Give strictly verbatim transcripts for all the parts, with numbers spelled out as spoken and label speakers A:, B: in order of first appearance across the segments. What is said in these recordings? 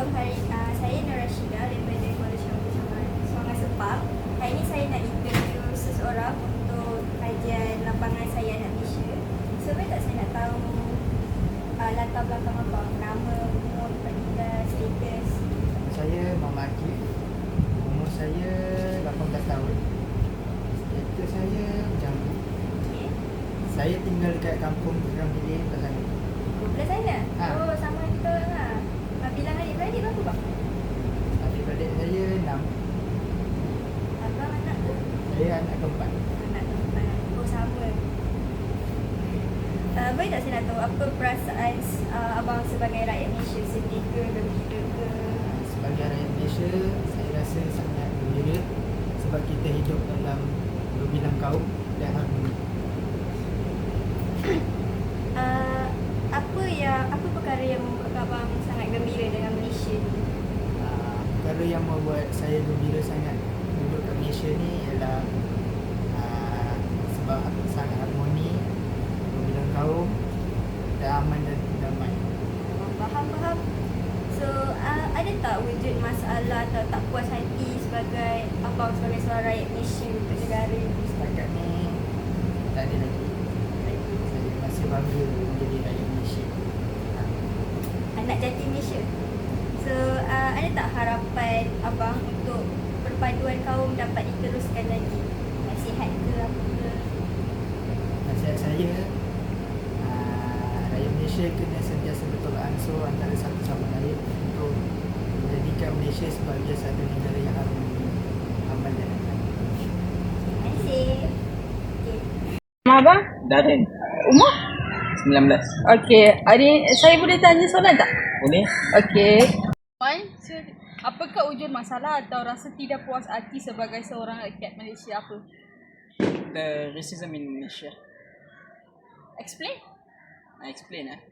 A: Assalamualaikum. Hari uh, saya Nur Rashida daripada Kuala Syambu Sungai Sepang. Hari ini saya nak interview seseorang untuk kajian lapangan saya anak Malaysia. So, boleh tak saya nak tahu uh, latar belakang abang, nama, umur, tempat tinggal, status?
B: Saya Muhammad Akif. Umur saya lapan belas tahun. Status saya Jambu.
A: Okay.
B: Saya tinggal dekat kampung Gerang Bilik, Belah.
A: Belah sana?
B: Ha.
A: Oh, sama kita lah. Uh, bilang adik-beradik berapa bang?
B: Adik-beradik saya enam.
A: Abang anak tu?
B: Saya anak keempat.
A: Anak keempat. Oh, sama. Uh, boleh tak saya nak tahu apa perasaan uh, abang sebagai rakyat Malaysia, sedih ke, gembira ke?
B: Sebagai rakyat Malaysia, saya rasa sangat gembira sebab kita hidup dalam berbilang kaum dan harmoni.
A: Uh, apa yang apa perkara yang membuat abang sangat gembira dengan Malaysia ni?
B: Uh, perkara yang membuat saya gembira sangat duduk kat Malaysia ni ialah uh, sebab sangat harmoni, berbilang kaum dan aman dan damai.
A: Oh, faham faham. So uh, ada tak wujud masalah atau tak puas hati sebagai abang sebagai seorang rakyat Malaysia untuk negara ni?
B: Setakat ni tak ada lagi. Saya masih bangga menjadi rakyat Malaysia.
A: Anak jati Malaysia. So uh, ada tak harapan abang untuk perpaduan kaum dapat diteruskan lagi? Nasihat ke apa ke?
B: Nasihat saya, uh, rakyat Malaysia kena sentiasa bertolak ansur antara satu sama lain untuk menjadikan Malaysia sebagai satu negara yang harmoni, aman dan damai.
A: Terima kasih. Okay.
C: Nama abang?
D: Darren,
C: Umur?
D: sembilan belas.
C: Okey, hari saya boleh tanya soalan tak?
D: Boleh?
C: Okey. Puan, apakah wujud masalah atau rasa tidak puas hati sebagai seorang rakyat Malaysia apa?
D: The racism in Malaysia.
C: Explain.
D: I explain ah.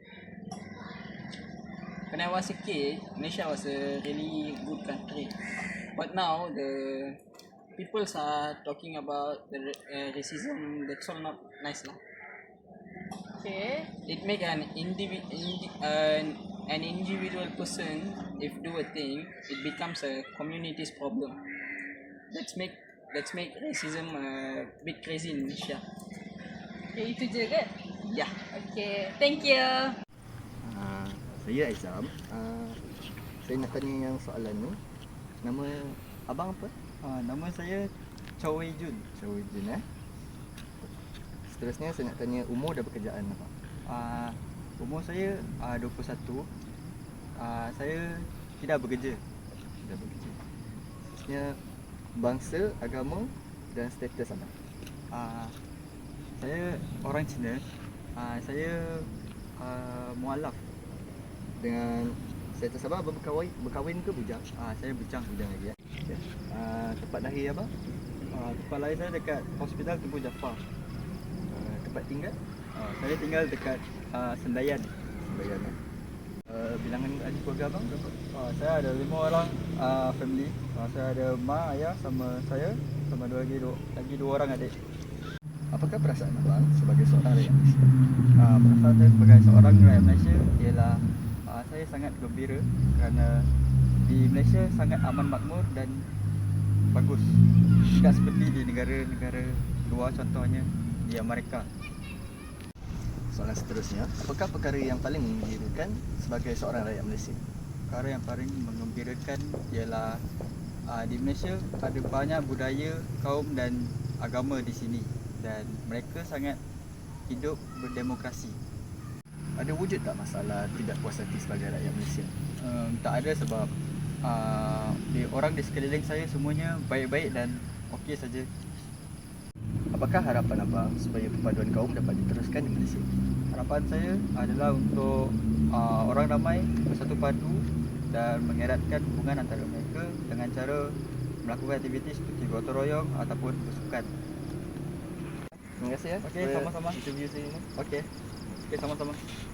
D: When I was a kid, Malaysia was a really good country. But now the people are talking about the uh, racism. That's all not nice lah.
C: Okay.
D: It make an indivi- indi- uh, an individual person if do a thing, it becomes a community's problem. Let's make let's make racism a bit crazy in Malaysia.
C: Okay, itu je ke?
D: Yeah.
C: Okay, thank you.
E: Uh, saya Aizam. Uh, saya nak tanya yang soalan ni. Nama abang apa?
B: Uh, nama saya Chow Wei Jun.
E: Chow Wei Jun eh. Seterusnya saya nak tanya umur dan pekerjaan abang.
B: Uh, umur saya uh, dua puluh satu. Uh, saya tidak bekerja.
E: Dah bekerja. Seterusnya bangsa, agama dan status abang.
B: Uh, saya orang Cina. Uh, saya uh, mualaf.
E: Dengan status abang, abang berkahwin, berkahwin ke bujang?
B: Uh, saya bujang.
E: Bujang lagi eh. Okay.
B: Uh,
E: tempat lahir abang?
B: uh, tempat lahir saya dekat Hospital Tebu Jaafar.
E: Uh, tempat tinggal?
B: Uh, saya tinggal dekat uh, Sendayan.
E: Sembayan eh.
B: Uh, bilangan ahli keluarga abang berapa? Uh, saya ada lima orang uh, family. Uh, saya ada mak, ayah sama saya, sama dua lagi dua, lagi dua orang adik.
E: Apakah perasaan abang sebagai seorang rakyat Malaysia?
B: Uh, perasaan saya sebagai seorang rakyat Malaysia ialah uh, saya sangat gembira kerana di Malaysia sangat aman makmur dan bagus. Tidak seperti di negara-negara luar, contohnya di Amerika.
E: Soalan seterusnya, apakah perkara yang paling menggembirakan sebagai seorang rakyat Malaysia?
B: Perkara yang paling menggembirakan ialah uh, di Malaysia ada banyak budaya, kaum dan agama di sini dan mereka sangat hidup berdemokrasi.
E: Ada wujud tak masalah tidak puas hati sebagai rakyat Malaysia?
B: Um, tak ada sebab uh, di, orang di sekeliling saya semuanya baik-baik dan okey saja.
E: Apakah harapan abang supaya perpaduan kaum dapat diteruskan di Malaysia?
B: Harapan saya adalah untuk uh, orang ramai bersatu padu dan mengeratkan hubungan antara mereka dengan cara melakukan aktiviti seperti gotong royong ataupun bersukan.
E: Terima kasih ya.
B: Okey,
E: for
B: sama-sama.
E: interview saya ni.
B: Okey. Okey, sama-sama.